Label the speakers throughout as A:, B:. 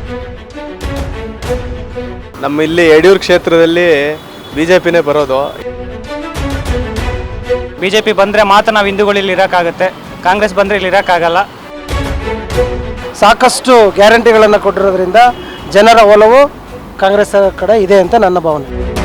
A: ನಮ್ಮ ಇಲ್ಲಿ ಯಡಿಯೂರು ಕ್ಷೇತ್ರದಲ್ಲಿ ಬಿಜೆಪಿನೇ ಬರೋದು.
B: ಬಿಜೆಪಿ ಬಂದರೆ ಮಾತ್ರ ನಾವು ಹಿಂದೂಗಳು ಇಲ್ಲಿ ಇರೋಕ್ಕಾಗುತ್ತೆ, ಕಾಂಗ್ರೆಸ್ ಬಂದರೆ ಇಲ್ಲಿ ಇರೋಕ್ಕಾಗಲ್ಲ.
C: ಸಾಕಷ್ಟು ಗ್ಯಾರಂಟಿಗಳನ್ನು ಕೊಟ್ಟಿರೋದ್ರಿಂದ ಜನರ ಒಲವು ಕಾಂಗ್ರೆಸ್ ಕಡೆ ಇದೆ ಅಂತ ನನ್ನ ಭಾವನೆ.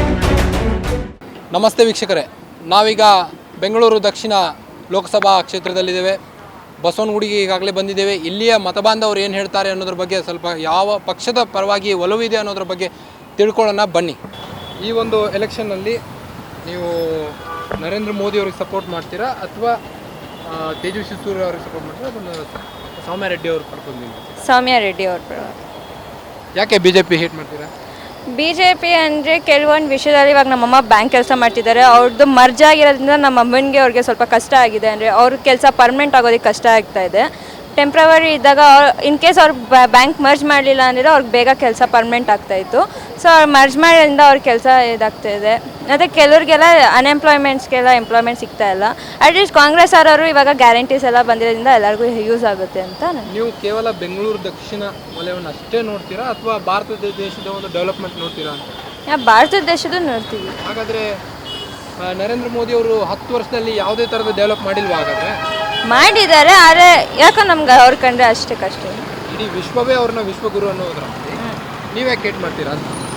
D: ನಮಸ್ತೆ ವೀಕ್ಷಕರೇ, ನಾವೀಗ ಬೆಂಗಳೂರು ದಕ್ಷಿಣ ಲೋಕಸಭಾ ಕ್ಷೇತ್ರದಲ್ಲಿದ್ದೇವೆ. ಬಸವನಗುಡಿಗೆ ಈಗಾಗಲೇ ಬಂದಿದ್ದೇವೆ. ಇಲ್ಲಿಯ ಮತಬಾಂಧವರು ಏನು ಹೇಳ್ತಾರೆ ಅನ್ನೋದ್ರ ಬಗ್ಗೆ, ಸ್ವಲ್ಪ ಯಾವ ಪಕ್ಷದ ಪರವಾಗಿ ಒಲವಿದೆ ಅನ್ನೋದ್ರ ಬಗ್ಗೆ ತಿಳ್ಕೊಳ್ಳೋಣ ಬನ್ನಿ. ಈ ಒಂದು ಎಲೆಕ್ಷನ್ನಲ್ಲಿ ನೀವು ನರೇಂದ್ರ ಮೋದಿ ಅವ್ರಿಗೆ ಸಪೋರ್ಟ್ ಮಾಡ್ತೀರಾ ಅಥವಾ ತೇಜಸ್ವಿ ಸೂರ್ಯ ಅವ್ರಿಗೆ ಸಪೋರ್ಟ್ ಮಾಡ್ತೀರಾ ಅಥವಾ ಸೌಮ್ಯ ರೆಡ್ಡಿ ಅವ್ರಿಗೆ ಪಡ್ಕೊಂಡು?
E: ಸೌಮ್ಯ ರೆಡ್ಡಿ ಅವ್ರ.
D: ಯಾಕೆ BJP ಹೇಟ್ ಮಾಡ್ತೀರಾ?
E: BJP ಅಂದರೆ ಕೆಲವೊಂದು ವಿಷಯದಲ್ಲಿ ಇವಾಗ ನಮ್ಮಮ್ಮ ಬ್ಯಾಂಕ್ ಕೆಲಸ ಮಾಡ್ತಿದ್ದಾರೆ, ಅವ್ರದ್ದು ಮರ್ಜ್ ಆಗಿರೋದ್ರಿಂದ ನಮ್ಮ ಅಮ್ಮನಿಗೆ ಅವ್ರಿಗೆ ಸ್ವಲ್ಪ ಕಷ್ಟ ಆಗಿದೆ. ಅಂದರೆ ಅವ್ರ ಕೆಲಸ ಪರ್ಮನೆಂಟ್ ಆಗೋದಕ್ಕೆ ಕಷ್ಟ ಆಗ್ತಾ ಇದೆ. ಟೆಂಪ್ರವರಿ ಇದ್ದಾಗ ಇನ್ ಕೇಸ್ ಅವ್ರು ಬ್ಯಾಂಕ್ ಮರ್ಜ್ ಮಾಡಲಿಲ್ಲ ಅಂದರೆ ಅವ್ರಿಗೆ ಬೇಗ ಕೆಲಸ ಪರ್ಮನೆಂಟ್ ಆಗ್ತಾಯಿತ್ತು. ಸೊ ಅವ್ರು ಮರ್ಜ್ ಮಾಡೋದ್ರಿಂದ ಅವ್ರ ಕೆಲಸ ಇದಾಗ್ತಾಯಿದೆ. ಮತ್ತು ಕೆಲವ್ರಿಗೆಲ್ಲ ಅನ್ಎಂಪ್ಲಾಯ್ಮೆಂಟ್ಸ್ಗೆಲ್ಲ ಎಂಪ್ಲಾಯ್ಮೆಂಟ್ ಸಿಗ್ತಾ ಇಲ್ಲ. ಅಟ್ಲೀಸ್ಟ್ ಕಾಂಗ್ರೆಸ್ ಅವರವರು ಇವಾಗ ಗ್ಯಾರಂಟೀಸ್ ಎಲ್ಲ ಬಂದಿರೋದ್ರಿಂದ ಎಲ್ಲರಿಗೂ ಯೂಸ್ ಆಗುತ್ತೆ ಅಂತ.
D: ನೀವು ಕೇವಲ ಬೆಂಗಳೂರು ದಕ್ಷಿಣ ವಲಯವನ್ನು ಅಷ್ಟೇ ನೋಡ್ತೀರಾ ಅಥವಾ ಭಾರತ ದೇಶದ ಒಂದು ಡೆವಲಪ್ಮೆಂಟ್ ನೋಡ್ತೀರಾ ಅಂತ?
E: ಭಾರತ ದೇಶದ್ದು ನೋಡ್ತೀವಿ.
D: ಹಾಗಾದರೆ ನರೇಂದ್ರ ಮೋದಿ ಅವರು 10 ವರ್ಷದಲ್ಲಿ ಯಾವುದೇ ಥರದ ಡೆವಲಪ್ ಮಾಡಿಲ್ವಾ? ಹಾಗಾದರೆ
E: ಮಾಡಿದ್ದಾರೆ, ಆದರೆ ಯಾಕೋ ನಮ್ಗೆ ಅವ್ರ ಕಂಡ್ರೆ ಅಷ್ಟೇ ಕಷ್ಟ.
D: ಇಡೀ ವಿಶ್ವವೇ ಅವ್ರನ್ನ ವಿಶ್ವಗುರು ಅನ್ನೋದ್ರ ನೀವೇ ಕೇಟ್ ಮಾಡ್ತೀರಾ?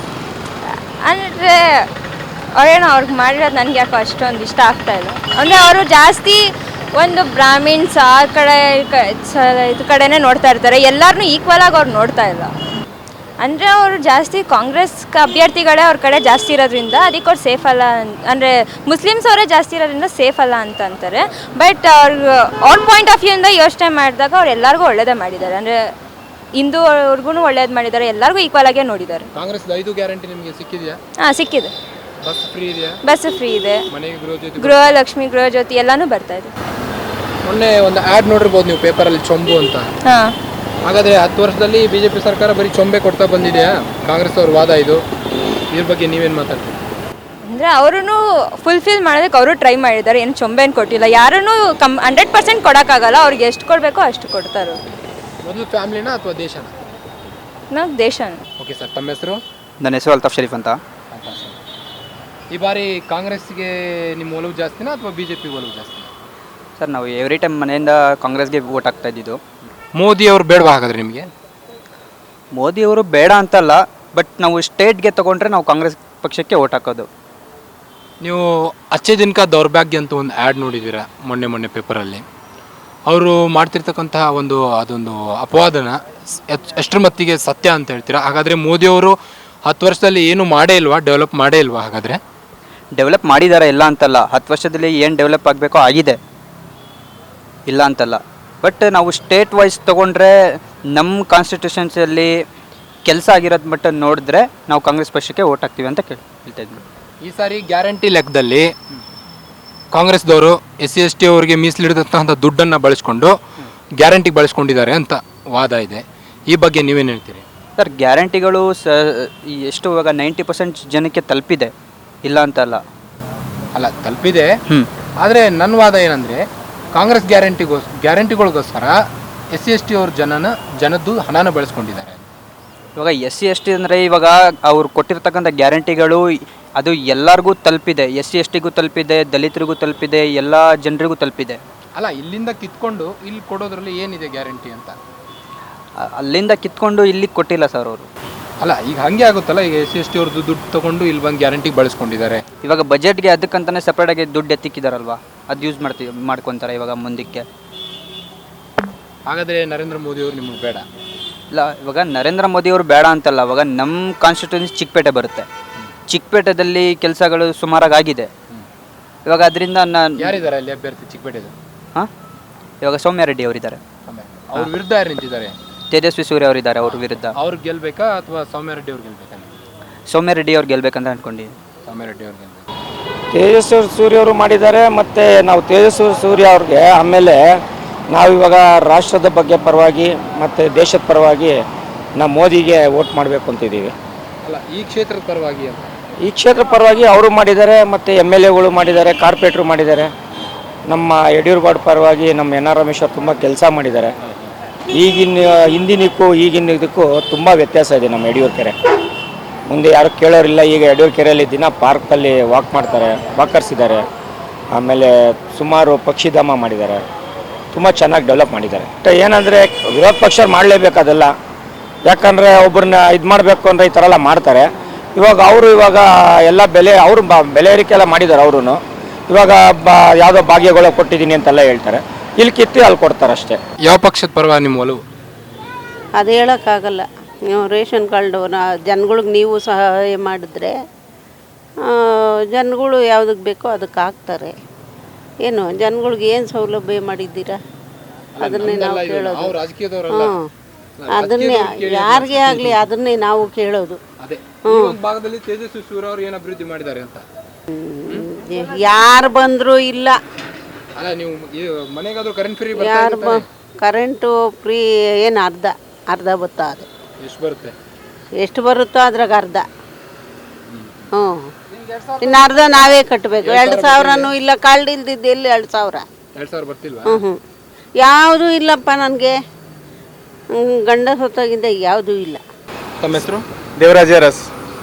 E: ಅಂದರೆ ಅವ್ರೇನೋ ಅವ್ರಿಗೆ ಮಾಡಿರೋದು ನನಗೆ ಯಾಕೋ ಅಷ್ಟೊಂದು ಇಷ್ಟ ಆಗ್ತಾ ಇಲ್ಲ. ಅಂದರೆ ಅವರು ಜಾಸ್ತಿ ಒಂದು ಬ್ರಾಹ್ಮಿನ್ಸ್ ಆ ಕಡೆ ಇದು ಕಡೆನೇ ನೋಡ್ತಾ ಇರ್ತಾರೆ, ಎಲ್ಲರನ್ನೂ ಈಕ್ವಲ್ ಆಗಿ ಅವ್ರು ನೋಡ್ತಾ ಇಲ್ಲ. ಅಂದರೆ ಅವರು ಜಾಸ್ತಿ ಕಾಂಗ್ರೆಸ್ ಅಭ್ಯರ್ಥಿಗಳೇ ಅವ್ರ ಕಡೆ ಜಾಸ್ತಿ ಇರೋದ್ರಿಂದ ಅದಕ್ಕೆ ಅವ್ರು ಸೇಫ್ ಅಲ್ಲ. ಅಂದರೆ ಮುಸ್ಲಿಮ್ಸ್ ಅವರೇ ಜಾಸ್ತಿ ಇರೋದ್ರಿಂದ ಸೇಫ್ ಅಲ್ಲ ಅಂತ ಅಂತಾರೆ. ಬಟ್ ಅವ್ರ ಪಾಯಿಂಟ್ ಆಫ್ ವ್ಯೂಯಿಂದ ಯೋಚನೆ ಮಾಡಿದಾಗ ಅವ್ರು ಎಲ್ಲರಿಗೂ ಒಳ್ಳೇದೇ ಮಾಡಿದ್ದಾರೆ. ಅಂದರೆ ಹಿಂದೂ ಅವ್ರಿಗೂ ಒಳ್ಳೇದು ಮಾಡಿದ್ದಾರೆ, ಎಲ್ಲರಿಗೂ ಈಕ್ವಲ್ ಆಗೇ ನೋಡಿದ್ದಾರೆ.
D: ಕಾಂಗ್ರೆಸ್ 5 ಗ್ಯಾರಂಟಿ ನಿಮಗೆ ಸಿಕ್ಕಿದೆಯಾ?
E: ಹಾಂ, ಸಿಕ್ಕಿದೆ.
D: ಬಸ್ ಫ್ರೀ ಇದೆಯಾ?
E: ಬಸ್ ಫ್ರೀ ಇದೆ,
D: ಮನೆಗೆ
E: ಗೃಹಲಕ್ಷ್ಮಿ, ಗೃಹಜ್ಯೋತಿ ಎಲ್ಲನೂ ಬರ್ತಾ ಇದೆ.
D: ಮೊನ್ನೆ ಒಂದು ಆ್ಯಡ್ ನೋಡಿರ್ಬೋದು ನೀವು ಪೇಪರಲ್ಲಿ, ಚೊಂಬು ಅಂತ.
E: ಹಾಂ.
D: ಹಾಗಾದರೆ 10 ವರ್ಷದಲ್ಲಿ BJP ಸರ್ಕಾರ ಬರೀ ಚೊಂಬೆ ಕೊಡ್ತಾ ಬಂದಿದೆಯಾ? ಕಾಂಗ್ರೆಸ್ ಅವ್ರ ವಾದ ಇದು. ಇದ್ರ ಬಗ್ಗೆ ನೀವೇನು ಮಾತಾಡ್ತೀರಿ?
E: ಅಂದರೆ ಅವರೂ ಫುಲ್ಫಿಲ್ ಮಾಡೋದಕ್ಕೆ ಅವರು ಟ್ರೈ ಮಾಡಿದ್ದಾರೆ, ಏನು ಚೊಂಬೆನು ಕೊಟ್ಟಿಲ್ಲ. ಯಾರೂ 100% ಕೊಡೋಕ್ಕಾಗಲ್ಲ, ಅವ್ರಿಗೆ ಎಷ್ಟು ಕೊಡಬೇಕೋ ಅಷ್ಟು ಕೊಡ್ತಾರೆ.
D: ಮೊದಲು ಫ್ಯಾಮಿಲಿನ ಅಥವಾ ದೇಶನ?
E: ನಾವು ದೇಶನ.
D: ಓಕೆ ಸರ್, ತಮ್ಮ ಹೆಸರು?
B: ನನ್ನ ಹೆಸರು ಅಲ್ತಾಫ್ ಶರೀಫ್ ಅಂತ.
D: ಈ ಬಾರಿ ಕಾಂಗ್ರೆಸ್ಗೆ ನಿಮ್ಮ ಒಲವು ಜಾಸ್ತಿನಾ ಅಥವಾ BJP ಒಲವು ಜಾಸ್ತಿ?
B: ಸರ್, ನಾವು ಎವ್ರಿ ಟೈಮ್ ಮನೆಯಿಂದ ಕಾಂಗ್ರೆಸ್ಗೆ ವೋಟ್ ಹಾಕ್ತಾ ಇದ್ದಿದ್ದು.
D: ಮೋದಿ ಅವರು ಬೇಡವಾ ಹಾಗಾದ್ರೆ ನಿಮಗೆ?
B: ಮೋದಿಯವರು ಬೇಡ ಅಂತಲ್ಲ, ಬಟ್ ನಾವು ಸ್ಟೇಟ್ಗೆ ತೊಗೊಂಡ್ರೆ ನಾವು ಕಾಂಗ್ರೆಸ್ ಪಕ್ಷಕ್ಕೆ ವೋಟ್ ಹಾಕೋದು.
D: ನೀವು ಅಚ್ಚೆ ದಿನಕ ದೌರ್ಭಾಗ್ಯ ಅಂತ ಒಂದು ಆ್ಯಡ್ ನೋಡಿದ್ದೀರಾ ಮೊನ್ನೆ ಪೇಪರಲ್ಲಿ. ಅವರು ಮಾಡ್ತಿರ್ತಕ್ಕಂತಹ ಅದೊಂದು ಅಪವಾದನ ಎಷ್ಟರ ಮಟ್ಟಿಗೆ ಸತ್ಯ ಅಂತ ಹೇಳ್ತೀರಾ? ಹಾಗಾದರೆ ಮೋದಿಯವರು 10 ವರ್ಷದಲ್ಲಿ ಏನು ಮಾಡೇ ಇಲ್ವಾ, ಡೆವಲಪ್ ಮಾಡೇ ಇಲ್ವಾ? ಹಾಗಾದರೆ
B: ಡೆವಲಪ್ ಮಾಡಿದ್ದಾರೆ, ಇಲ್ಲ ಅಂತಲ್ಲ. 10 ವರ್ಷದಲ್ಲಿ ಏನು ಡೆವಲಪ್ ಆಗಬೇಕೋ ಆಗಿದೆ, ಇಲ್ಲ ಅಂತಲ್ಲ. ಬಟ್ ನಾವು ಸ್ಟೇಟ್ ವೈಸ್ ತೊಗೊಂಡ್ರೆ ನಮ್ಮ ಕಾನ್ಸ್ಟಿಟ್ಯೂಷನ್ಸಲ್ಲಿ ಕೆಲಸ ಆಗಿರೋದು ಮಟ್ಟ ನೋಡಿದ್ರೆ ನಾವು ಕಾಂಗ್ರೆಸ್ ಪಕ್ಷಕ್ಕೆ ವೋಟ್ ಹಾಕ್ತೀವಿ ಅಂತ ಹೇಳ್ತಾ ಇದ್ವಿ.
D: ಈ ಸಾರಿ ಗ್ಯಾರಂಟಿ ಲೆಕ್ಕದಲ್ಲಿ ಕಾಂಗ್ರೆಸ್ದವರು SC/ST ಅವರಿಗೆ ಮೀಸಲಿಡಿದಂತಹ ದುಡ್ಡನ್ನು ಬಳಸ್ಕೊಂಡು ಗ್ಯಾರಂಟಿಗೆ ಬಳಸ್ಕೊಂಡಿದ್ದಾರೆ ಅಂತ ವಾದ ಇದೆ. ಈ ಬಗ್ಗೆ ನೀವೇನು ಹೇಳ್ತೀರಿ?
B: ಸರ್, ಗ್ಯಾರಂಟಿಗಳು ಎಷ್ಟು ಇವಾಗ 90% ಜನಕ್ಕೆ ತಲುಪಿದೆ, ಇಲ್ಲ ಅಂತಲ್ಲ.
D: ಅಲ್ಲ, ತಲುಪಿದೆ. ಆದರೆ ನನ್ನ ವಾದ ಏನಂದರೆ, ಕಾಂಗ್ರೆಸ್ ಗ್ಯಾರಂಟಿಗಳಿಗೋಸ್ಕರ SC/ST ಅವ್ರ ಜನದ್ದು ಹಣನ ಬಳಸ್ಕೊಂಡಿದ್ದಾರೆ.
B: ಇವಾಗ SC/ST ಅಂದರೆ ಇವಾಗ ಅವ್ರು ಕೊಟ್ಟಿರ್ತಕ್ಕಂಥ ಗ್ಯಾರಂಟಿಗಳು ಅದು ಎಲ್ಲರಿಗೂ ತಲುಪಿದೆ. SC/STಗೂ ತಲುಪಿದೆ, ದಲಿತರಿಗೂ ತಲುಪಿದೆ, ಎಲ್ಲ ಜನರಿಗೂ ತಲುಪಿದೆ.
D: ಅಲ್ಲ, ಇಲ್ಲಿಂದ ಕಿತ್ಕೊಂಡು ಇಲ್ಲಿ ಕೊಡೋದ್ರಲ್ಲಿ ಏನಿದೆ ಗ್ಯಾರಂಟಿ ಅಂತ?
B: ಅಲ್ಲಿಂದ ಕಿತ್ಕೊಂಡು ಇಲ್ಲಿಗೆ ಕೊಟ್ಟಿಲ್ಲ ಸರ್ ಅವರು.
D: ಅಲ್ಲ, ಈಗ ಹಾಗೆ ಆಗುತ್ತಲ್ಲ, ಈಗ SC/ST ಅವ್ರದ್ದು ದುಡ್ಡು ತೊಗೊಂಡು ಇಲ್ಲಿ ಬಂದು ಗ್ಯಾರಂಟಿಗೆ ಬಳಸ್ಕೊಂಡಿದ್ದಾರೆ.
B: ಇವಾಗ ಬಜೆಟ್ಗೆ ಅದಕ್ಕಂತಾನೆ ಸಪ್ರೇಟಾಗಿ ದುಡ್ಡು ಎತ್ತಿಕ್ಕಿದಾರಲ್ವಾ, ಅದು ಯೂಸ್ ಮಾಡ್ಕೊತಾರೆ ಇವಾಗ ಮುಂದಕ್ಕೆ.
D: ಹಾಗಾದರೆ ನರೇಂದ್ರ ಮೋದಿ ಅವರು ನಿಮಗೆ ಬೇಡ?
B: ಇಲ್ಲ, ಇವಾಗ ನರೇಂದ್ರ ಮೋದಿ ಅವರು ಬೇಡ ಅಂತಲ್ಲ. ಇವಾಗ ನಮ್ಮ ಕಾನ್ಸ್ಟಿಟ್ಯೂನ್ಸಿ ಚಿಕ್ಕಪೇಟೆ ಬರುತ್ತೆ. ಚಿಕ್ಕಪೇಟೆದಲ್ಲಿ ಕೆಲಸಗಳು ಸುಮಾರಾಗಿ ಆಗಿದೆ. ಇವಾಗ ಅದರಿಂದ
D: ಯಾರಿದ್ದಾರೆ ಅಲ್ಲಿ ಅಭ್ಯರ್ಥಿ ಚಿಕ್ಕಪೇಟೆದು?
B: ಹಾಂ, ಇವಾಗ ಸೌಮ್ಯ ರೆಡ್ಡಿ ಅವರಿದ್ದಾರೆ.
D: ಅವ್ರ ವಿರುದ್ಧ ಯಾರು ನಿಂತಿದ್ದಾರೆ?
B: ತೇಜಸ್ವಿ ಸೂರ್ಯ ಅವರಿದ್ದಾರೆ. ಅವ್ರ ವಿರುದ್ಧ
D: ಅವ್ರು ಗೆಲ್ಬೇಕಾ ಅಥವಾ ಸೌಮ್ಯ ರೆಡ್ಡಿ ಅವ್ರು ಗೆಲ್ಬೇಕಾ?
B: ಸೌಮ್ಯ ರೆಡ್ಡಿ ಅವ್ರು ಗೆಲ್ಬೇಕಂತ ಅನ್ಕೊಂಡಿದ್ದೀನಿ.
D: ಸೌಮ್ಯ ರೆಡ್ಡಿ ಅವ್ರು ಗೆಲ್ಬೇಕು.
C: ತೇಜಸ್ವಿ ಸೂರ್ಯ ಅವರು ಮಾಡಿದ್ದಾರೆ. ಮತ್ತು ನಾವು ತೇಜಸ್ವಿ ಸೂರ್ಯ ಅವ್ರಿಗೆ ಆಮೇಲೆ ನಾವಿವಾಗ ರಾಷ್ಟ್ರದ ಬಗ್ಗೆ ಪರವಾಗಿ ಮತ್ತು ದೇಶದ ಪರವಾಗಿ ನಾವು ಮೋದಿಗೆ ವೋಟ್ ಮಾಡಬೇಕು ಅಂತಿದ್ದೀವಿ.
D: ಅಲ್ಲ, ಈ ಕ್ಷೇತ್ರದ ಪರವಾಗಿ ಅಂತ?
C: ಈ ಕ್ಷೇತ್ರ ಪರವಾಗಿ ಅವರು ಮಾಡಿದ್ದಾರೆ, ಮತ್ತು MLAಗಳು ಮಾಡಿದ್ದಾರೆ, ಕಾರ್ಪೊರೇಟ್ರು ಮಾಡಿದ್ದಾರೆ. ನಮ್ಮ ಯಡಿಯೂರು ಪರವಾಗಿ ನಮ್ಮ NR ರಮೇಶ್ ಅವರು ತುಂಬ ಕೆಲಸ ಮಾಡಿದ್ದಾರೆ. ಹಿಂದಿನಕ್ಕೂ ಈಗಿನ ಇದಕ್ಕೂ ತುಂಬ ವ್ಯತ್ಯಾಸ ಇದೆ ನಮ್ಮ ಯಡಿಯೂರು ಕೆರೆ. ಮುಂದೆ ಯಾರು ಕೇಳೋರಿಲ್ಲ. ಈಗ ಯಡಿಯೂರು ಕೆರೆಯಲ್ಲಿ ದಿನ ಪಾರ್ಕಲ್ಲಿ ವಾಕ್ ಮಾಡ್ತಾರೆ, ವಾಕರ್ಸ್ ಇದ್ದಾರೆ. ಆಮೇಲೆ ಸುಮಾರು ಪಕ್ಷಿಧಾಮ ಮಾಡಿದ್ದಾರೆ, ತುಂಬ ಚೆನ್ನಾಗಿ ಡೆವಲಪ್ ಮಾಡಿದ್ದಾರೆ. ಏನಂದರೆ ವಿರೋಧ ಪಕ್ಷ ಮಾಡಲೇಬೇಕು ಅದೆಲ್ಲ. ಯಾಕಂದರೆ ಒಬ್ಬರನ್ನ ಇದು ಮಾಡಬೇಕು ಅಂದರೆ ಈ ಥರ ಎಲ್ಲ ಮಾಡ್ತಾರೆ. ಇವಾಗ ಎಲ್ಲ ಬೆಲೆ ಏರಿಕೆ ಎಲ್ಲ ಮಾಡಿದ್ದಾರೆ ಅವರು. ಇವಾಗ ಯಾವುದೋ ಭಾಗ್ಯಗಳು ಕೊಟ್ಟಿದ್ದೀನಿ ಅಂತೆಲ್ಲ ಹೇಳ್ತಾರೆ. ಇಲ್ಲಿ ಕಿತ್ತಿ ಅಲ್ಲಿ ಕೊಡ್ತಾರೆ ಅಷ್ಟೇ.
D: ಯಾವ ಪಕ್ಷದ ಪರವಾಗಿ ನಿಮ್ಮ ಒಲವು?
F: ಅದು ಹೇಳೋಕ್ಕಾಗಲ್ಲ. ನೀವು ರೇಷನ್ ಕಾರ್ಡು ಜನಗಳಿಗೆ ನೀವು ಸಹಾಯ ಮಾಡಿದ್ರೆ ಜನಗಳು ಯಾವುದಕ್ಕೆ ಬೇಕೋ ಅದಕ್ಕೆ ಹಾಕ್ತಾರೆ. ಏನು ಜನಗಳಿಗೆ ಏನು ಸೌಲಭ್ಯ ಮಾಡಿದ್ದೀರಾ ಅದನ್ನೇ ನಾವು ಕೇಳೋದು. ಹ್ಞೂ, ಅದನ್ನೇ ಯಾರಿಗೇ ಆಗಲಿ ಅದನ್ನೇ ನಾವು ಕೇಳೋದು.
D: ಭಾಗದಲ್ಲಿ ತೇಜಸ್ವಿ ಸೂರ್ಯ ಅವರು ಏನು ಅಭಿವೃದ್ಧಿ ಮಾಡಿದ್ದಾರೆ ಅಂತ
F: ಯಾರು ಬಂದರೂ ಇಲ್ಲ.
D: ಅಲ್ಲ, ನೀವು ಮನೆಗಾದ್ರೂ ಕರೆಂಟ್ ಫ್ರೀ
F: ಯಾರು ಕರೆಂಟು ಫ್ರೀ ಏನು ಅರ್ಧ ಬತ್ತಾ ಅದು
D: ಎಷ್ಟು ಬರುತ್ತೆ?
F: ಎಷ್ಟು ಬರುತ್ತೋ ಅದ್ರಾಗ ಅರ್ಧ. ಹ್ಞೂ, ಇನ್ನು ಅರ್ಧ ನಾವೇ ಕಟ್ಟಬೇಕು. 2,000ನೂ ಇಲ್ಲ. ಕಳ್ದು ಇಲ್ದಿದ್ದು ಎಲ್ಲಿ 2,000
D: ಬರ್ತಿಲ್ವಾ?
F: ಹ್ಞೂ ಯಾವುದೂ ಇಲ್ಲಪ್ಪ ನನಗೆ. ಗಂಡ ಸೊತ್ತಾಗಿದ್ದ ಯಾವುದೂ ಇಲ್ಲ.
D: ತಮ್ಮ ಹೆಸರು?
A: ದೇವರಾಜ ಅರಸ್.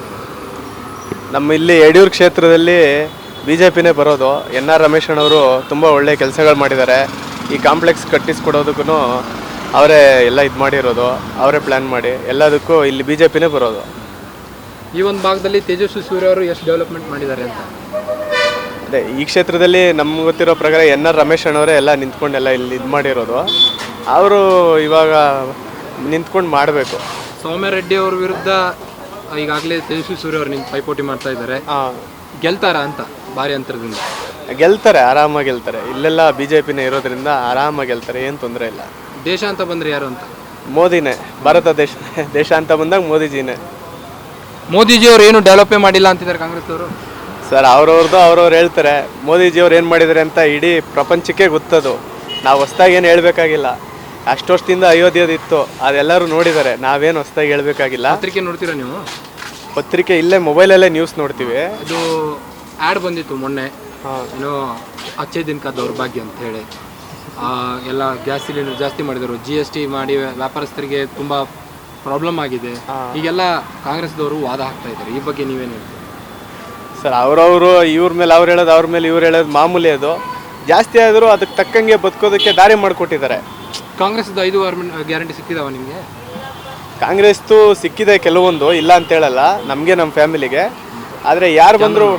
A: ನಮ್ಮ ಇಲ್ಲಿ ಯಡಿಯೂರು ಕ್ಷೇತ್ರದಲ್ಲಿ BJPನೇ ಬರೋದು. NR ರಮೇಶಣ್ಣವರು ತುಂಬ ಒಳ್ಳೆ ಕೆಲಸಗಳು ಮಾಡಿದ್ದಾರೆ. ಈ ಕಾಂಪ್ಲೆಕ್ಸ್ ಕಟ್ಟಿಸ್ಕೊಡೋದಕ್ಕೂ ಅವರೇ ಎಲ್ಲ ಇದು ಮಾಡಿರೋದು, ಅವರೇ ಪ್ಲ್ಯಾನ್ ಮಾಡಿ ಎಲ್ಲದಕ್ಕೂ ಇಲ್ಲಿ BJPನೇ ಬರೋದು.
D: ಈ ಒಂದು ಭಾಗದಲ್ಲಿ ತೇಜಸ್ವಿ ಸೂರ್ಯ ಅವರು ಎಷ್ಟು ಡೆವಲಪ್ಮೆಂಟ್ ಮಾಡಿದ್ದಾರೆ ಅಂತ?
A: ಅದೇ ಈ ಕ್ಷೇತ್ರದಲ್ಲಿ ನಮ್ಗೆ ಗೊತ್ತಿರೋ ಪ್ರಕಾರ NR ರಮೇಶಣ್ಣವರೇ ಎಲ್ಲ ನಿಂತ್ಕೊಂಡು ಎಲ್ಲ ಇಲ್ಲಿ ಇದು ಮಾಡಿರೋದು. ಅವರು ಇವಾಗ ನಿಂತ್ಕೊಂಡು ಮಾಡಬೇಕು.
D: ಸೌಮ್ಯ ರೆಡ್ಡಿ ಅವ್ರ ವಿರುದ್ಧ ಈಗಾಗಲೇ ತೇಜಸ್ವಿ ಸೂರ್ಯ ಅವರು ನಿಂತು ಪೈಪೋಟಿ ಮಾಡ್ತಾ ಇದ್ದಾರೆ. ಗೆಲ್ತಾರ ಅಂತ ಭಾರಿ ಅಂತರದಿಂದ?
A: ಗೆಲ್ತಾರೆ, ಆರಾಮಾಗಿ ಗೆಲ್ತಾರೆ. ಇಲ್ಲೆಲ್ಲ BJPನೇ ಇರೋದ್ರಿಂದ ಆರಾಮಾಗಿ ಗೆಲ್ತಾರೆ, ಏನು ತೊಂದರೆ ಇಲ್ಲ.
D: ದೇಶ ಅಂತ ಬಂದರೆ ಯಾರು ಅಂತ?
A: ಮೋದಿನೇ, ಭಾರತ ದೇಶ ಅಂತ ಬಂದಾಗ ಮೋದಿಜಿನೇ.
D: ಮೋದಿಜಿಯವರು ಏನು ಡೆವಲಪೇ ಮಾಡಿಲ್ಲ ಅಂತಿದ್ದಾರೆ ಕಾಂಗ್ರೆಸ್ ಅವರು.
A: ಸರ್ ಅವ್ರವ್ರು ಹೇಳ್ತಾರೆ. ಮೋದಿಜಿಯವ್ರು ಏನು ಮಾಡಿದ್ದಾರೆ ಅಂತ ಇಡೀ ಪ್ರಪಂಚಕ್ಕೆ ಗೊತ್ತದು. ನಾವು ಹೊಸ್ದಾಗಿ ಏನು ಹೇಳಬೇಕಾಗಿಲ್ಲ. ಅಷ್ಟು ವರ್ಷದಿಂದ ಅಯೋಧ್ಯದಿತ್ತು, ಅದೆಲ್ಲರೂ ನೋಡಿದ್ದಾರೆ. ನಾವೇನು ಹೊಸ್ದಾಗಿ ಹೇಳಬೇಕಾಗಿಲ್ಲ.
D: ಪತ್ರಿಕೆ ನೋಡ್ತೀರಾ ನೀವು?
A: ಪತ್ರಿಕೆ ಇಲ್ಲೇ ಮೊಬೈಲಲ್ಲೇ ನ್ಯೂಸ್ ನೋಡ್ತೀವಿ.
D: ಇದು ಆ್ಯಡ್ ಬಂದಿತ್ತು ಮೊನ್ನೆ, ಏನೋ ಅಚ್ಚೇ ದಿನಕ ದೌರ್ಭಾಗ್ಯ ಅಂತ ಹೇಳಿ. ಎಲ್ಲ ಗ್ಯಾಸ್ ಸಿಲಿಂಡರ್ ಜಾಸ್ತಿ ಮಾಡಿದರು, GST ಮಾಡಿ ವ್ಯಾಪಾರಸ್ಥರಿಗೆ ತುಂಬ ಪ್ರಾಬ್ಲಮ್ ಆಗಿದೆ. ಈಗೆಲ್ಲ ಕಾಂಗ್ರೆಸ್ದವರು ವಾದ ಹಾಕ್ತಾ ಇದ್ದಾರೆ. ಈ ಬಗ್ಗೆ ನೀವೇನು ಹೇಳ್ತೀರಿ?
A: ಸರ್ ಅವ್ರವರು ಇವ್ರ ಮೇಲೆ ಅವ್ರು ಹೇಳೋದು, ಅವ್ರ ಮೇಲೆ ಇವ್ರು ಹೇಳೋದು ಮಾಮೂಲಿ. ಅದು ಜಾಸ್ತಿ ಆದರೂ ಅದಕ್ಕೆ ತಕ್ಕಂಗೆ ಬದುಕೋದಕ್ಕೆ ದಾರಿ ಮಾಡಿಕೊಟ್ಟಿದ್ದಾರೆ.
D: ಕಾಂಗ್ರೆಸ್ದು 5 ಗ್ಯಾರಂಟಿ ಸಿಕ್ಕಿದಾವ ನಿಮಗೆ?
A: ಕಾಂಗ್ರೆಸ್ದು ಸಿಕ್ಕಿದೆ ಕೆಲವೊಂದು, ಇಲ್ಲ ಅಂತ ಹೇಳಲ್ಲ. ನಮಗೆ, ನಮ್ಮ ಫ್ಯಾಮಿಲಿಗೆ. ಆದರೆ ಯಾರು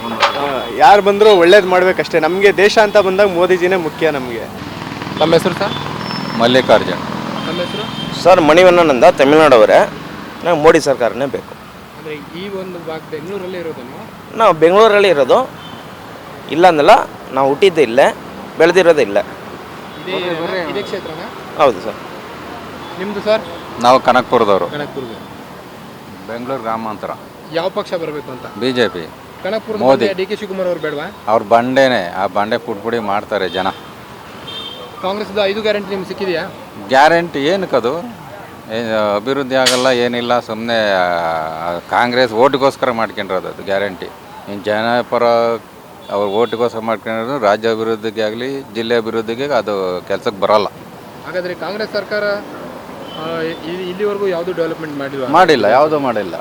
A: ಬಂದರೂ ಒಳ್ಳೇದು ಮಾಡಬೇಕಷ್ಟೇ. ನಮಗೆ ದೇಶ ಅಂತ ಬಂದಾಗ ಮೋದಿಜಿನೇ ಮುಖ್ಯ ನಮಗೆ.
D: ತಮ್ಮ ಹೆಸರು ಸರ್?
G: ಮಲ್ಲಿಕಾರ್ಜುನ್.
D: ನಮ್ಮ ಹೆಸರು
C: ಸರ್ ಮಣಿವಣ್ಣನಂದ, ತಮಿಳ್ನಾಡವರೇ. ನಾವು ಮೋದಿ ಸರ್ಕಾರನೇ ಬೇಕು.
D: ಅಂದರೆ ಈ ಒಂದು ಭಾಗ ಬೆಂಗಳೂರಲ್ಲೇ ಇರೋದು ನೀವು?
C: ನಾವು ಬೆಂಗಳೂರಲ್ಲಿ ಇರೋದು. ಇಲ್ಲ ಅಂದಲ್ಲ, ನಾವು ಹುಟ್ಟಿದ್ದು ಇಲ್ಲೇ, ಬೆಳೆದಿರೋದು ಇಲ್ಲೇ.
D: ಇದೇ ಕ್ಷೇತ್ರನ?
C: ಹೌದು ಸರ್.
D: ನಿಮ್ಮದು ಸರ್?
G: ನಾವು ಕನಕಪುರದವರು.
D: ಕನಕಪುರದ.
G: ಬೆಂಗಳೂರು ಗ್ರಾಮಾಂತರ.
D: ಯಾವ ಪಕ್ಷ ಬರಬೇಕು ಅಂತ?
G: BJP.
D: ಕನಕಪುರದ
G: ಮೋದಿ.
D: DK ಶಿವಕುಮಾರ್ ಅವರು ಬೇಡವಾ?
G: ಅವ್ರ ಬಂಡೆನೇ, ಆ ಬಂಡೆ ಪುಟ್ಪುಡಿ ಮಾಡ್ತಾರೆ ಜನ.
D: ಕಾಂಗ್ರೆಸ್ದು 5 ಗ್ಯಾರಂಟಿ ನಿಮ್ಗೆ ಸಿಕ್ಕಿದೆಯಾ?
G: ಗ್ಯಾರಂಟಿ ಏನಕ್ಕದು? ಅಭಿವೃದ್ಧಿ ಆಗಲ್ಲ, ಏನಿಲ್ಲ. ಸುಮ್ಮನೆ ಕಾಂಗ್ರೆಸ್ ಓಟಿಗೋಸ್ಕರ ಮಾಡ್ಕೊಂಡಿರೋದು ಅದು ಗ್ಯಾರಂಟಿ. ಇನ್ನು ಜನಪರ ಅವ್ರು ಓಟಿಗೋಸ್ಕರ ಮಾಡ್ಕೊಂಡಿರೋದು. ರಾಜ್ಯ ಅಭಿವೃದ್ಧಿಗೆ ಆಗಲಿ, ಜಿಲ್ಲೆ ಅಭಿವೃದ್ಧಿಗೆ ಅದು ಕೆಲಸಕ್ಕೆ ಬರೋಲ್ಲ.
D: ಹಾಗಾದರೆ ಕಾಂಗ್ರೆಸ್ ಸರ್ಕಾರ ಇಲ್ಲಿವರೆಗೂ ಯಾವುದು ಡೆವಲಪ್ಮೆಂಟ್
G: ಮಾಡಿಲ್ಲ. ಯಾವುದು ಮಾಡಿಲ್ಲ.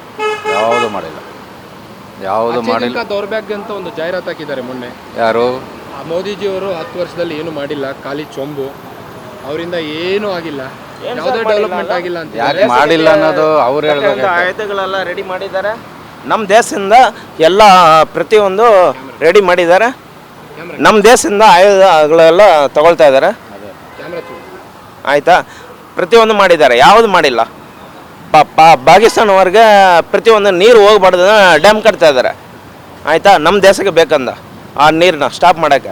D: ದೌರ್ಭಾಗ್ಯ ಅಂತ ಒಂದು ಜಾಹೀರಾತು ಹಾಕಿದ್ದಾರೆ ಮೊನ್ನೆ.
G: ಯಾರು?
D: ಮೋದಿಜಿಯವರು 10 ವರ್ಷದಲ್ಲಿ ಏನು ಮಾಡಿಲ್ಲ, ಖಾಲಿ ಚೊಂಬು. ಅವರಿಂದ ಏನೂ ಆಗಿಲ್ಲ, ಯಾವುದೇ ಡೆವಲಪ್ಮೆಂಟ್ ಆಗಿಲ್ಲ ಅಂತ.
G: ಯಾಕೆ ಮಾಡಿಲ್ಲ ಅನ್ನೋದು ಅವ್ರು ಹೇಳ್ಬೇಕು.
C: ಆಯುಧಗಳೆಲ್ಲ ರೆಡಿ ಮಾಡಿದ್ದಾರೆ. ನಮ್ಮ ದೇಶದಿಂದ ಎಲ್ಲ ಪ್ರತಿಯೊಂದು ರೆಡಿ ಮಾಡಿದ್ದಾರೆ. ನಮ್ಮ ದೇಶದಿಂದ ಆಯುಧಗಳೆಲ್ಲ ತಗೊಳ್ತಾ ಇದ್ದಾರೆ. ಆಯಿತಾ? ಪ್ರತಿಯೊಂದು ಮಾಡಿದ್ದಾರೆ, ಯಾವುದು ಮಾಡಿಲ್ಲ. ಪಾಕಿಸ್ತಾನವರೆಗೆ ಪ್ರತಿಯೊಂದು ನೀರು ಹೋಗ್ಬಾರ್ದು ಡ್ಯಾಮ್ ಕಟ್ತಾ ಇದ್ದಾರೆ. ಆಯಿತಾ? ನಮ್ಮ ದೇಶಕ್ಕೆ ಬೇಕಂದ ಆ ನೀರನ್ನ ಸ್ಟಾಪ್ ಮಾಡೋಕ್ಕೆ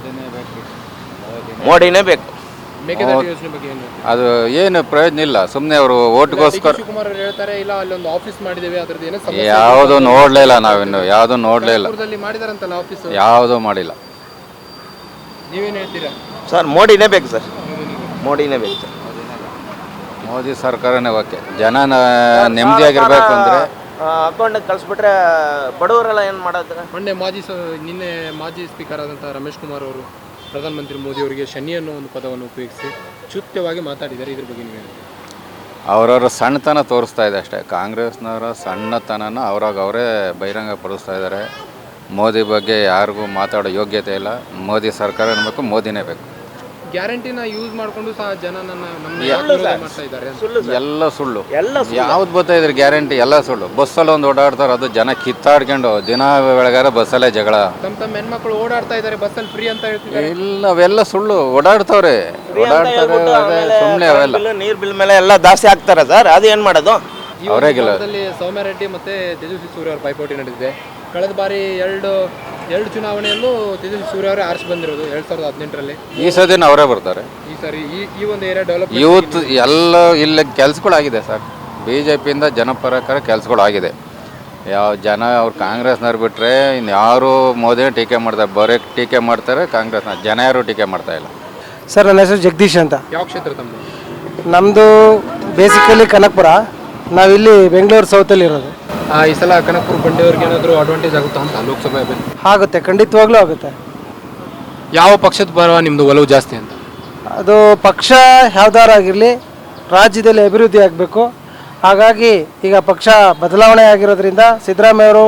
C: ಮೋದಿನೇ ಬೇಕು.
G: ಅದು ಏನು ಪ್ರಯೋಜನ ಇಲ್ಲ. ಸುಮ್ಮನೆ ಅವರು ಓಟ್ಗೋಸ್ಕರ
D: ಹೇಳ್ತಾರೆ. ಇಲ್ಲ, ಅಲ್ಲೊಂದು ಆಫೀಸ್ ಮಾಡಿದ್ದೇವೆ, ಅದ್ರದ್ದು
G: ಯಾವುದು ನೋಡಲೇ ಇಲ್ಲ. ನಾವಿನ್ನು ಯಾವುದು ನೋಡಲೇ ಇಲ್ಲ.
D: ಮಾಡಿದಾರಂತಲ್ಲ ಆಫೀಸ್,
G: ಯಾವುದೂ ಮಾಡಿಲ್ಲ.
D: ನೀವೇನು ಹೇಳ್ತೀರಾ
C: ಸರ್? ಮೋದಿನೇ ಬೇಕು ಸರ್, ಮೋದಿನೇ ಬೇಕು ಸರ್.
G: ಮೋದಿ ಸರ್ಕಾರನೇ ಓಕೆ. ಜನ ನೆಮ್ಮದಿಯಾಗಿರ್ಬೇಕು ಅಂದರೆ
C: ಅಕೌಂಟಿಗೆ ಕಳಿಸ್ಬಿಟ್ರೆ ಬಡವರೆಲ್ಲ ಏನು ಮಾಡೋದು?
D: ನಿನ್ನೆ ಮಾಜಿ ಸ್ಪೀಕರ್ ಆದಂಥ ರಮೇಶ್ ಕುಮಾರ್ ಅವರು ಪ್ರಧಾನಮಂತ್ರಿ ಮೋದಿ ಅವರಿಗೆ ಶನಿ ಅನ್ನೋ ಒಂದು ಪದವನ್ನು ಉಪಯೋಗಿಸಿ ಚುತ್ಯವಾಗಿ ಮಾತಾಡಿದ್ದಾರೆ. ಇದ್ರ ಬಗ್ಗೆ ನೀವು
G: ಅವರವರ ಸಣ್ಣತನ ತೋರಿಸ್ತಾ ಇದೆ ಅಷ್ಟೇ. ಕಾಂಗ್ರೆಸ್ನವರ ಸಣ್ಣತನನ ಅವರೇ ಬಹಿರಂಗ ಪಡಿಸ್ತಾ ಇದ್ದಾರೆ. ಮೋದಿ ಬಗ್ಗೆ ಯಾರಿಗೂ ಮಾತಾಡೋ ಯೋಗ್ಯತೆ ಇಲ್ಲ. ಮೋದಿ ಸರ್ಕಾರ ಬೇಕು, ಮೋದಿನೇ ಬೇಕು.
D: ಗ್ಯಾರಂಟಿನ ಯೂಸ್ ಮಾಡಿಕೊಂಡು ಸಹ ಜನ ಮಾಡ್ತಾ ಇದ್ದಾರೆ.
G: ಎಲ್ಲ ಸುಳ್ಳು. ಯಾವ್ದು ಬರ್ತಾ ಇದ್ರೆ ಗ್ಯಾರಂಟಿ ಎಲ್ಲ ಸುಳ್ಳು. ಬಸ್ಸಲ್ಲಿ ಒಂದು ಓಡಾಡ್ತಾರೆ, ಅದು ಜನ ಕಿತ್ತಾಡ್ಕೊಂಡು ದಿನ ಬೆಳಗಾರ ಬಸ್ಸಲ್ಲೇ ಜಗಳ.
D: ತಮ್ಮ ಹೆಣ್ಮಕ್ಳು ಓಡಾಡ್ತಾ ಇದ್ದಾರೆ ಬಸ್ಸಲ್ಲಿ ಫ್ರೀ ಅಂತ ಹೇಳ್ತಿದ್ದಾರೆ.
G: ಇಲ್ಲ, ಅವೆಲ್ಲ ಸುಳ್ಳು. ಓಡಾಡ್ತಾರೆ ಸುಮ್ಮನೆ. ಅವೆಲ್ಲ
C: ನೀರ್ ಬಿಲ್ ಮೇಲೆ ಎಲ್ಲ ಜಾಸ್ತಿ ಆಗ್ತಾರೆ ಸರ್. ಅದು ಏನ್ ಮಾಡೋದು?
G: ಅವರೇ ಗೆಲ್ಲ.
D: ಸೌಮ್ಯ ರೆಡ್ಡಿ ಮತ್ತೆ ತೇಜಸ್ವಿ ಸೂರ್ಯ ಅವರ ಪೈಪೋಟಿ ನಡೆದಿದೆ. ಕಳೆದ ಬಾರಿ ಎರಡು ಚುನಾವಣೆಯಲ್ಲೂ ತೇಜಸ್ವಿ ಸೂರ್ಯ ಅವರೇ ಆರಿಸಿ ಬಂದಿರೋದು 2018ರಲ್ಲಿ.
G: ಈ ಸದಿನ ಅವರೇ ಬರ್ತಾರೆ.
D: ಈ ಸಾರಿ ಈ ಒಂದು ಏರಿಯಾ ಡೆವಲಪ್
G: ಯೂತ್ ಎಲ್ಲ ಇಲ್ಲ ಕೆಲಸಗಳಾಗಿದೆ ಸರ್. BJPಯಿಂದ ಜನಪರಕರ ಕೆಲಸಗಳಾಗಿದೆ. ಯಾವ ಜನ ಅವ್ರು ಕಾಂಗ್ರೆಸ್ನವ್ರು ಬಿಟ್ಟರೆ ಇನ್ಯಾರು ಮೋದಿನೇ ಟೀಕೆ ಮಾಡ್ತಾರೆ. ಬರೀ ಟೀಕೆ ಮಾಡ್ತಾರೆ ಕಾಂಗ್ರೆಸ್ನ. ಜನ ಯಾರು ಟೀಕೆ ಮಾಡ್ತಾ ಇಲ್ಲ.
H: ಸರ್, ನನ್ನ ಹೆಸರು ಜಗದೀಶ್ ಅಂತ.
D: ಯಾವ ಕ್ಷೇತ್ರ ತಮ್ಮದು?
H: ನಮ್ಮದು ಬೇಸಿಕಲಿ ಕನಕಪುರ. ನಾವಿಲ್ಲಿ ಬೆಂಗಳೂರು ಸೌತಲ್ಲಿ ಇರೋದು.
D: ಈ ಸಲ ಕನಕಪುರ ಬಂಡೆಯವ್ರಿಗೆ ಏನಾದರೂ ಅಡ್ವಾಂಟೇಜ್ ಆಗುತ್ತಾ ಅಂತ ಲೋಕಸಭೆ
H: ಆಗುತ್ತೆ, ಖಂಡಿತವಾಗ್ಲೂ ಆಗುತ್ತೆ.
D: ಯಾವ ಪಕ್ಷದ ಪರ ನಿಮ್ಮದು ಒಲವು ಜಾಸ್ತಿ ಅಂತ?
H: ಅದು ಪಕ್ಷ ಯಾವ್ದಾರಾಗಿರಲಿ ರಾಜ್ಯದಲ್ಲಿ ಅಭಿವೃದ್ಧಿ ಆಗಬೇಕು. ಹಾಗಾಗಿ ಈಗ ಪಕ್ಷ ಬದಲಾವಣೆ ಆಗಿರೋದ್ರಿಂದ ಸಿದ್ದರಾಮಯ್ಯವರು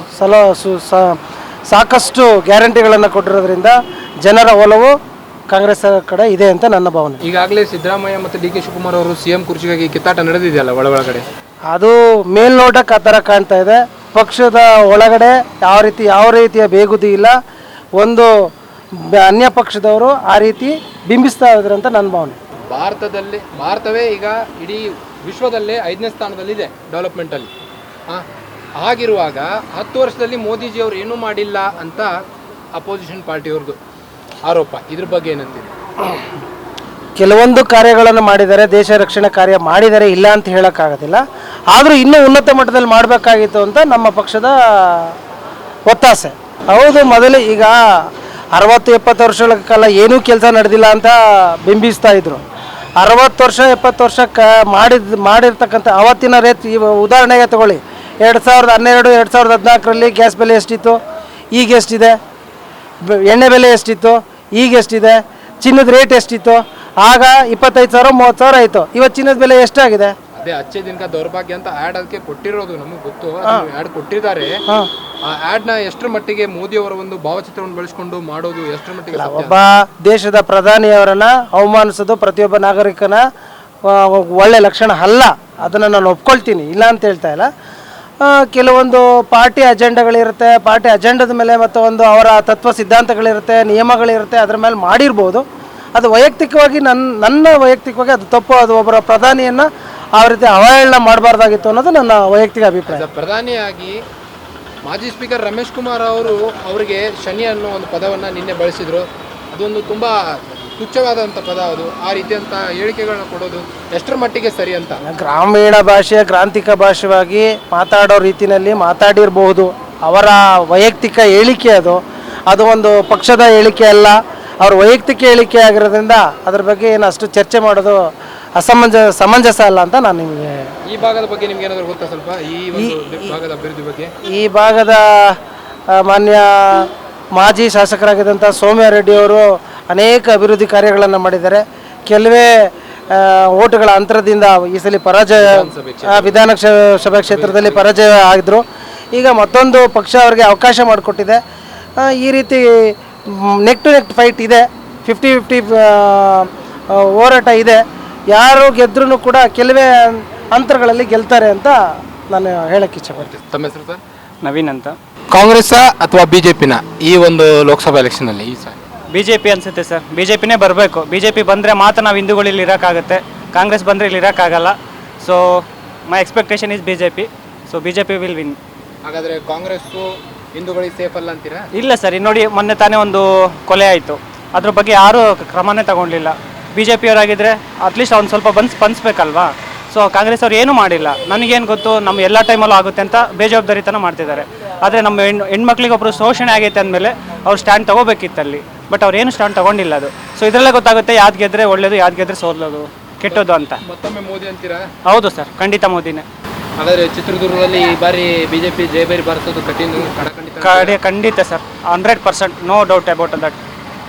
H: ಸಾಕಷ್ಟು ಗ್ಯಾರಂಟಿಗಳನ್ನು ಕೊಟ್ಟಿರೋದ್ರಿಂದ ಜನರ ಒಲವು ಕಾಂಗ್ರೆಸ್ ಕಡೆ ಇದೆ ಅಂತ ನನ್ನ ಭಾವನೆ.
D: ಈಗಾಗಲೇ ಸಿದ್ದರಾಮಯ್ಯ ಮತ್ತು DK ಶಿವಕುಮಾರ್ ಅವರು CM ಕುರ್ಚಿಗಾಗಿ ಕಿತ್ತಾಟ ನಡೆದಿದೆಯಲ್ಲ ಒಳಗಡೆ.
H: ಅದು ಮೇಲ್ನೋಟಕ್ಕೆ ಆ ಥರ ಕಾಣ್ತಾ ಇದೆ. ಪಕ್ಷದ ಒಳಗಡೆ ಯಾವ ರೀತಿಯ ಬೇಗುದಿ ಇಲ್ಲ. ಒಂದು ಅನ್ಯ ಪಕ್ಷದವರು ಆ ರೀತಿ ಬಿಂಬಿಸ್ತಾ ಇದ್ದಾರೆ ಅಂತ ನನ್ನ ಭಾವನೆ.
D: ಭಾರತವೇ ಈಗ ಇಡೀ ವಿಶ್ವದಲ್ಲೇ 5ನೇ ಸ್ಥಾನದಲ್ಲಿದೆ ಡೆವಲಪ್ಮೆಂಟಲ್ಲಿ. ಹಾಗಿರುವಾಗ 10 ವರ್ಷದಲ್ಲಿ ಮೋದಿಜಿ ಅವರು ಏನೂ ಮಾಡಿಲ್ಲ ಅಂತ ಅಪೋಸಿಷನ್ ಪಾರ್ಟಿಯವ್ರದ್ದು ಆರೋಪ. ಇದ್ರ ಬಗ್ಗೆ ಏನಂತೀರಿ?
H: ಕೆಲವೊಂದು ಕಾರ್ಯಗಳನ್ನು ಮಾಡಿದ್ದಾರೆ, ದೇಶ ರಕ್ಷಣೆ ಕಾರ್ಯ ಮಾಡಿದ್ದಾರೆ, ಇಲ್ಲ ಅಂತ ಹೇಳೋಕ್ಕಾಗೋದಿಲ್ಲ. ಆದರೂ ಇನ್ನೂ ಉನ್ನತ ಮಟ್ಟದಲ್ಲಿ ಮಾಡಬೇಕಾಗಿತ್ತು ಅಂತ ನಮ್ಮ ಪಕ್ಷದ ಒತ್ತಾಸೆ. ಹೌದು, ಮೊದಲೇ ಈಗ 60-70 ವರ್ಷಗಳ ಕಾಲ ಏನೂ ಕೆಲಸ ನಡೆದಿಲ್ಲ ಅಂತ ಬಿಂಬಿಸ್ತಾ ಇದ್ರು. 60 ವರ್ಷ 70 ವರ್ಷ ಮಾಡಿರ್ತಕ್ಕಂಥ ಅವತ್ತಿನ ರೇಟ್ ಉದಾಹರಣೆಗೆ ತಗೊಳ್ಳಿ. 2012 2014ರಲ್ಲಿ ಗ್ಯಾಸ್ ಬೆಲೆ ಎಷ್ಟಿತ್ತು, ಈಗ ಎಷ್ಟಿದೆ? ಎಣ್ಣೆ ಬೆಲೆ ಎಷ್ಟಿತ್ತು, ಈಗ ಎಷ್ಟಿದೆ? ಚಿನ್ನದ ರೇಟ್ ಎಷ್ಟಿತ್ತು? ಆಗ 25,000 30,000 ಆಯಿತು. ಇವತ್ತು ಚಿನ್ನದ ಬೆಲೆ ಎಷ್ಟಾಗಿದೆ?
D: ಅದೇ ಅಚ್ಚೆ ದಿನಕ ದೌರ್ಭಾಗ್ಯ ಅಂತ ಆ್ಯಡ್ ಅದಕ್ಕೆ ಕೊಟ್ಟಿರೋದು ನಮಗೆ ಗೊತ್ತು. ಆ್ಯಡ್ ಕೊಟ್ಟಿದ್ದಾರೆ. ಆ ಆ್ಯಡ್ನ ಎಷ್ಟರ ಮಟ್ಟಿಗೆ ಮೋದಿ ಅವರ ಒಂದು ಭಾವಚಿತ್ರವನ್ನು ಬಳಸಿಕೊಂಡು ಮಾಡೋದು ಎಷ್ಟರ ಮಟ್ಟಿಗೆ?
H: ಒಬ್ಬ ದೇಶದ ಪ್ರಧಾನಿಯವರನ್ನ ಅವಮಾನಿಸೋದು ಪ್ರತಿಯೊಬ್ಬ ನಾಗರಿಕನ ಒಳ್ಳೆ ಲಕ್ಷಣ ಅಲ್ಲ. ಅದನ್ನು ನಾನು ಒಪ್ಕೊಳ್ತೀನಿ, ಇಲ್ಲ ಅಂತ ಹೇಳ್ತಾ ಇಲ್ಲ. ಕೆಲವೊಂದು ಪಾರ್ಟಿ ಅಜೆಂಡಾಗಳಿರುತ್ತೆ. ಪಾರ್ಟಿ ಅಜೆಂಡದ ಮೇಲೆ ಮತ್ತು ಒಂದು ಅವರ ತತ್ವ ಸಿದ್ಧಾಂತಗಳಿರುತ್ತೆ, ನಿಯಮಗಳಿರುತ್ತೆ. ಅದರ ಮೇಲೆ ಮಾಡಿರ್ಬೋದು. ಅದು ವೈಯಕ್ತಿಕವಾಗಿ ನನ್ನ ವೈಯಕ್ತಿಕವಾಗಿ ಅದು ತಪ್ಪು. ಅದು ಒಬ್ಬರ ಪ್ರಧಾನಿಯನ್ನು ಆ ರೀತಿ ಅವಹೇಳನ ಮಾಡಬಾರ್ದಾಗಿತ್ತು ಅನ್ನೋದು ನನ್ನ ವೈಯಕ್ತಿಕ ಅಭಿಪ್ರಾಯ.
D: ಪ್ರಧಾನಿಯಾಗಿ ಮಾಜಿ ಸ್ಪೀಕರ್ ರಮೇಶ್ ಕುಮಾರ್ ಅವರಿಗೆ ಶನಿ ಅನ್ನೋ ಒಂದು ಪದವನ್ನು ನಿನ್ನೆ ಬಳಸಿದರು. ಅದೊಂದು ತುಂಬ ತುಚ್ಛವಾದಂಥ ಪದ. ಅದು ಆ ರೀತಿಯಂಥ ಹೇಳಿಕೆಗಳನ್ನ ಕೊಡೋದು ಎಷ್ಟರ ಮಟ್ಟಿಗೆ ಸರಿ ಅಂತ?
H: ಗ್ರಾಮೀಣ ಭಾಷೆ ಗ್ರಾಂಥಿಕ ಭಾಷೆಯಾಗಿ ಮಾತಾಡೋ ರೀತಿಯಲ್ಲಿ ಮಾತಾಡಿರಬಹುದು. ಅವರ ವೈಯಕ್ತಿಕ ಹೇಳಿಕೆ ಅದು ಒಂದು ಪಕ್ಷದ ಹೇಳಿಕೆ ಅಲ್ಲ, ಅವ್ರ ವೈಯಕ್ತಿಕ ಹೇಳಿಕೆ ಆಗಿರೋದ್ರಿಂದ ಅದ್ರ ಬಗ್ಗೆ ಏನು ಅಷ್ಟು ಚರ್ಚೆ ಮಾಡೋದು ಸಮಂಜಸ ಅಲ್ಲ ಅಂತ ನಾನು ನಿಮಗೆ.
D: ಈ ಭಾಗದ ಬಗ್ಗೆ ನಿಮ್ಗೆ ಏನಾದರೂ ಗೊತ್ತಾ ಸ್ವಲ್ಪ? ಈ ಭಾಗದ ಅಭಿವೃದ್ಧಿ ಬಗ್ಗೆ? ಈ
H: ಭಾಗದ ಮಾನ್ಯ ಮಾಜಿ ಶಾಸಕರಾಗಿದ್ದಂಥ ಸೌಮ್ಯ ರೆಡ್ಡಿಯವರು ಅನೇಕ ಅಭಿವೃದ್ಧಿ ಕಾರ್ಯಗಳನ್ನು ಮಾಡಿದ್ದಾರೆ. ಕೆಲವೇ ಓಟುಗಳ ಅಂತರದಿಂದ ಈ ಸಲ ವಿಧಾನಸಭಾ ಕ್ಷೇತ್ರದಲ್ಲಿ ಪರಾಜಯ ಆಗಿದ್ರು. ಈಗ ಮತ್ತೊಂದು ಪಕ್ಷ ಅವರಿಗೆ ಅವಕಾಶ ಮಾಡಿಕೊಟ್ಟಿದೆ. ಈ ರೀತಿ ನೆಕ್ ಟು ನೆಕ್ ಫೈಟ್ ಇದೆ, 50-50 ಹೋರಾಟ ಇದೆ. ಯಾರು ಗೆದ್ರೂ ಕೂಡ ಕೆಲವೇ ಅಂತರಗಳಲ್ಲಿ ಗೆಲ್ತಾರೆ ಅಂತ ನಾನು ಹೇಳಕ್ಕೆ ಇಚ್ಛೆಪಡ್ತೀನಿ.
D: ತಮ್ಮ ಹೆಸರು ಸರ್?
B: ನವೀನ್ ಅಂತ.
D: ಕಾಂಗ್ರೆಸ್ ಅಥವಾ BJPನ ಈ ಒಂದು ಲೋಕಸಭಾ ಎಲೆಕ್ಷನಲ್ಲಿ? ಈ ಸರ್
B: BJP ಅನಿಸುತ್ತೆ ಸರ್. BJPನೇ ಬರಬೇಕು. BJP ಬಂದರೆ ಮಾತ್ರ ನಾವು ಹಿಂದೂಗಳು ಇಲ್ಲಿ ಇರೋಕ್ಕಾಗುತ್ತೆ. ಕಾಂಗ್ರೆಸ್ ಬಂದರೆ ಇಲ್ಲಿ ಇರೋಕ್ಕಾಗಲ್ಲ. So my expectation is BJP. So BJP will win.
D: ಹಾಗಾದರೆ ಕಾಂಗ್ರೆಸ್ಸು ಹಿಂದೂಗಳಿಗೆ ಸೇಫ್ ಅಲ್ಲ ಅಂತೀರಾ?
B: ಇಲ್ಲ ಸರ್. ನೋಡಿ, ಮೊನ್ನೆ ತಾನೇ ಒಂದು ಕೊಲೆ ಆಯಿತು. ಅದ್ರ ಬಗ್ಗೆ ಯಾರೂ ಕ್ರಮನೇ ತಗೊಂಡಿಲ್ಲ. BJP ಅವರಾಗಿದ್ದರೆ ಅಟ್ಲೀಸ್ಟ್ ಅವ್ನು ಸ್ವಲ್ಪ ಸ್ಪಂದಿಸ್ಬೇಕಲ್ವಾ? ಸೊ ಕಾಂಗ್ರೆಸ್ ಅವ್ರು ಏನೂ ಮಾಡಿಲ್ಲ. ನನಗೇನು ಗೊತ್ತು, ನಮ್ಮ ಎಲ್ಲ ಟೈಮಲ್ಲೂ ಆಗುತ್ತೆ ಅಂತ ಬೇಜವಾಬ್ದಾರಿತನ ಮಾಡ್ತಿದ್ದಾರೆ. ಆದರೆ ನಮ್ಮ ಹೆಣ್ಮಕ್ಳಿಗೆ ಒಬ್ಬರು ಶೋಷಣೆ ಆಗೈತೆ ಅಂದಮೇಲೆ ಅವ್ರು ಸ್ಟ್ಯಾಂಡ್ ತೊಗೋಬೇಕಿತ್ತಲ್ಲಿ. ಬಟ್ ಅವ್ರು ಏನು ಸ್ಟ್ಯಾಂಡ್ ತೊಗೊಂಡಿಲ್ಲ. ಅದು ಸೊ ಇದರಲ್ಲೇ ಗೊತ್ತಾಗುತ್ತೆ ಯಾವ್ದು ಗೆದ್ದರೆ ಒಳ್ಳೇದು, ಯಾವ್ದು ಗೆದ್ದರೆ ಸೋಲೋದು, ಕೆಟ್ಟೋದು ಅಂತ.
D: ಮತ್ತೊಮ್ಮೆ ಮೋದಿ ಅಂತೀರಾ?
B: ಹೌದು ಸರ್, ಖಂಡಿತ ಮೋದಿನೇ.
D: ಹಾಗಾದರೆ ಚಿತ್ರದುರ್ಗದಲ್ಲಿ ಈ ಬಾರಿ BJP ಜಯಬೇರಿ ಬಾರಿಸೋದು ಖಂಡಿತ
B: sir. 100%, no doubt about that.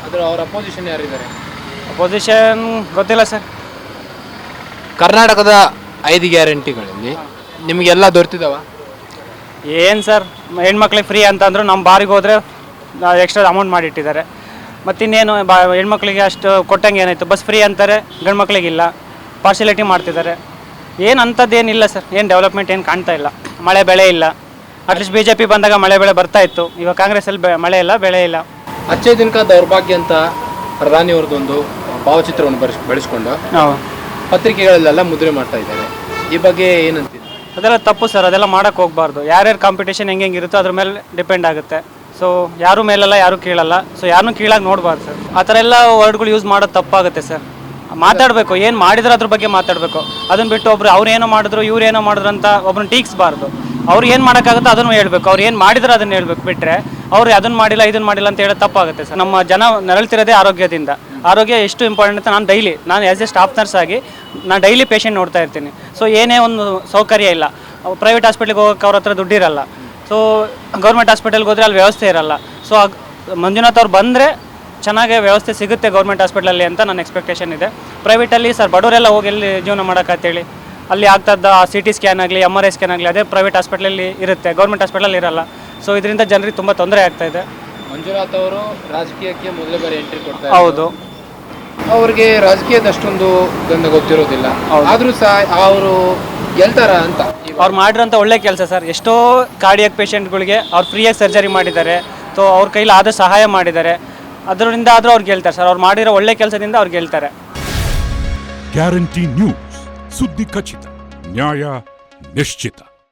D: ಅದರ ಅವ್ರ ಅಪೋಸಿಷನ್ ಯಾರಿದ್ದಾರೆ?
H: ಪೊಸಿಷನ್ ಗೊತ್ತಿಲ್ಲ ಸರ್.
D: ಕರ್ನಾಟಕದ 5 ಗ್ಯಾರಂಟಿಗಳಲ್ಲಿ ನಿಮಗೆಲ್ಲ ದೊರೆತಿದ್ದಾವ?
H: ಏನು ಸರ್, ಹೆಣ್ಮಕ್ಳಿಗೆ ಫ್ರೀ ಅಂತಂದ್ರು ನಮ್ಮ ಬಾರಿಗೆ ಹೋದರೆ ಎಕ್ಸ್ಟ್ರಾ ಅಮೌಂಟ್ ಮಾಡಿಟ್ಟಿದ್ದಾರೆ. ಮತ್ತಿನ್ನೇನು ಹೆಣ್ಮಕ್ಳಿಗೆ ಅಷ್ಟು ಕೊಟ್ಟಂಗೆ ಏನಾಯಿತು? ಬಸ್ ಫ್ರೀ ಅಂತಾರೆ, ಗಂಡು ಮಕ್ಳಿಗಿಲ್ಲ, ಪಾರ್ಶಿಯಾಲಿಟಿ ಮಾಡ್ತಿದ್ದಾರೆ. ಏನು ಅಂಥದ್ದೇನಿಲ್ಲ ಸರ್, ಏನು ಡೆವಲಪ್ಮೆಂಟ್ ಏನು ಕಾಣ್ತಾ ಇಲ್ಲ. ಮಳೆ ಬೆಳೆ ಇಲ್ಲ. ಅಟ್ಲೀಸ್ಟ್ BJP ಬಂದಾಗ ಮಳೆ ಬೆಳೆ ಬರ್ತಾ ಇತ್ತು. ಇವಾಗ ಕಾಂಗ್ರೆಸ್ಸಲ್ಲಿ ಮಳೆ ಇಲ್ಲ, ಬೆಳೆ ಇಲ್ಲ.
D: ಅಚ್ಚೇ ದಿನಕ ದೌರ್ಭಾಗ್ಯ ಅಂತ ಪ್ರಧಾನಿಯವ್ರದ್ದೊಂದು ಭಾವಚಿತ್ರವನ್ನು ಬೆಳೆಸ್ಕೊಂಡು ಪತ್ರಿಕೆಗಳಲ್ಲೆಲ್ಲ ಮುದ್ರೆ ಮಾಡ್ತಾ ಇದ್ದಾರೆ. ಈ ಬಗ್ಗೆ ಏನಂತೀರಿ?
H: ಅದೆಲ್ಲ ತಪ್ಪು ಸರ್, ಅದೆಲ್ಲ ಮಾಡೋಕ್ಕೆ ಹೋಗಬಾರ್ದು. ಯಾರ್ಯಾರು ಕಾಂಪಿಟೇಷನ್ ಹೆಂಗೆ ಇರುತ್ತೋ ಅದ್ರ ಮೇಲೆ ಡಿಪೆಂಡ್ ಆಗುತ್ತೆ. ಸೊ ಯಾರು ಮೇಲೆಲ್ಲ ಯಾರು ಕೀಳಲ್ಲ. ಸೊ ಯಾರನ್ನೂ ಕೀಳಾಗಿ ನೋಡಬಾರ್ದು ಸರ್. ಆ ಥರ ಎಲ್ಲ ವರ್ಡ್ಗಳು ಯೂಸ್ ಮಾಡೋದು ತಪ್ಪಾಗುತ್ತೆ ಸರ್. ಮಾತಾಡಬೇಕು, ಏನು ಮಾಡಿದ್ರೆ ಅದ್ರ ಬಗ್ಗೆ ಮಾತಾಡಬೇಕು. ಅದನ್ನು ಬಿಟ್ಟು ಒಬ್ರು ಅವ್ರು ಏನೋ ಮಾಡಿದ್ರು ಇವ್ರು ಏನೋ ಮಾಡಿದ್ರು ಅಂತ ಒಬ್ರನ್ನ ಟೀಕ್ಸ್ಬಾರ್ದು. ಅವ್ರು ಏನು ಮಾಡೋಕ್ಕಾಗುತ್ತೋ ಅದನ್ನು ಹೇಳ್ಬೇಕು. ಅವ್ರು ಏನು ಮಾಡಿದ್ರೆ ಅದನ್ನು ಹೇಳ್ಬೇಕು, ಬಿಟ್ಟರೆ ಅವ್ರು ಅದನ್ನು ಮಾಡಿಲ್ಲ ಇದನ್ನು ಮಾಡಿಲ್ಲ ಅಂತ ಹೇಳೋದು ತಪ್ಪಾಗುತ್ತೆ ಸರ್. ನಮ್ಮ ಜನ ನರಳ್ತಿರೋದೇ ಆರೋಗ್ಯದಿಂದ. ಆರೋಗ್ಯ ಎಷ್ಟು ಇಂಪಾರ್ಟೆಂಟ್ ಅಂತ ನಾನು ಆ್ಯಸ್ ಎ ಸ್ಟಾಫ್ ನರ್ಸ್ ಆಗಿ ನಾನು ಡೈಲಿ ಪೇಷಂಟ್ ನೋಡ್ತಾ ಇರ್ತೀನಿ. ಸೊ ಏನೇ ಒಂದು ಸೌಕರ್ಯ ಇಲ್ಲ. ಪ್ರೈವೇಟ್ ಹಾಸ್ಪಿಟ್ಲಿಗೆ ಹೋಗೋಕೆ ಅವ್ರ ಹತ್ರ ದುಡ್ಡಿರಲ್ಲ. ಸೊ ಗೌರ್ಮೆಂಟ್ ಹಾಸ್ಪಿಟಲ್ಗೆ ಹೋದರೆ ಅಲ್ಲಿ ವ್ಯವಸ್ಥೆ ಇರಲ್ಲ. ಸೊ ಮಂಜುನಾಥ್ ಅವ್ರು ಬಂದರೆ ಚೆನ್ನಾಗೇ ವ್ಯವಸ್ಥೆ ಸಿಗುತ್ತೆ ಗೌರ್ಮೆಂಟ್ ಹಾಸ್ಪಿಟಲಲ್ಲಿ ಅಂತ ನನ್ನ ಎಕ್ಸ್ಪೆಕ್ಟೇಷನ್ ಇದೆ. ಪ್ರೈವೇಟಲ್ಲಿ ಸರ್ ಬಡವರೆಲ್ಲ ಹೋಗಿ ಎಲ್ಲಿ ಜೀವನ ಮಾಡೋಕ್ಕಂತೇಳಿ ಅಲ್ಲಿ ಆಗ್ತದ CT ಸ್ಕ್ಯಾನ್ ಆಗಲಿ MRI ಸ್ಕ್ಯಾನ್ ಆಗಲಿ ಅದೇ ಪ್ರೈವೇಟ್ ಹಾಸ್ಪಿಟಲಲ್ಲಿ ಇರುತ್ತೆ, ಗೌರ್ಮೆಂಟ್ ಹಾಸ್ಪಿಟಲಲ್ಲಿ ಇರಲ್ಲ. ಸೊ ಇದರಿಂದ ಜನರಿಗೆ ತುಂಬ ತೊಂದರೆ ಆಗ್ತಾ ಇದೆ.
D: ಮಂಜುನಾಥ್ ಅವರು ರಾಜಕೀಯಕ್ಕೆ ಮೊದಲ ಬಾರಿ ಎಂಟ್ರಿ ಕೊಡ್ತಾರೆ.
H: ಹೌದು,
D: ಅವ್ರಿಗೆ ರಾಜಕೀಯದ ಅಷ್ಟೊಂದು ಗಂಧ ಗೊತ್ತಿರೋದಿಲ್ಲ. ಆದರೂ ಸಹ ಅವರು ಗೆಲ್ತಾರ ಅಂತ
H: ಅವ್ರು ಮಾಡಿರೋಂಥ ಒಳ್ಳೆ ಕೆಲಸ ಸರ್. ಎಷ್ಟೋ ಕಾರ್ಡಿಯಾಕ್ ಪೇಷಂಟ್ಗಳಿಗೆ ಅವ್ರು ಫ್ರೀಯಾಗಿ ಸರ್ಜರಿ ಮಾಡಿದ್ದಾರೆ. ಸೊ ಅವ್ರ ಕೈಲಿ ಆದ ಸಹಾಯ ಮಾಡಿದ್ದಾರೆ. ಅದರಿಂದ ಆದರೂ ಅವ್ರು ಗೆಲ್ತಾರೆ ಸರ್. ಅವ್ರು ಮಾಡಿರೋ ಒಳ್ಳೆ ಕೆಲಸದಿಂದ ಅವ್ರು ಗೆಲ್ತಾರೆ.
I: ಗ್ಯಾರಂಟಿ ನ್ಯೂಸ್, ಸುದ್ದಿ ಖಚಿತ, ನ್ಯಾಯ ನಿಶ್ಚಿತ.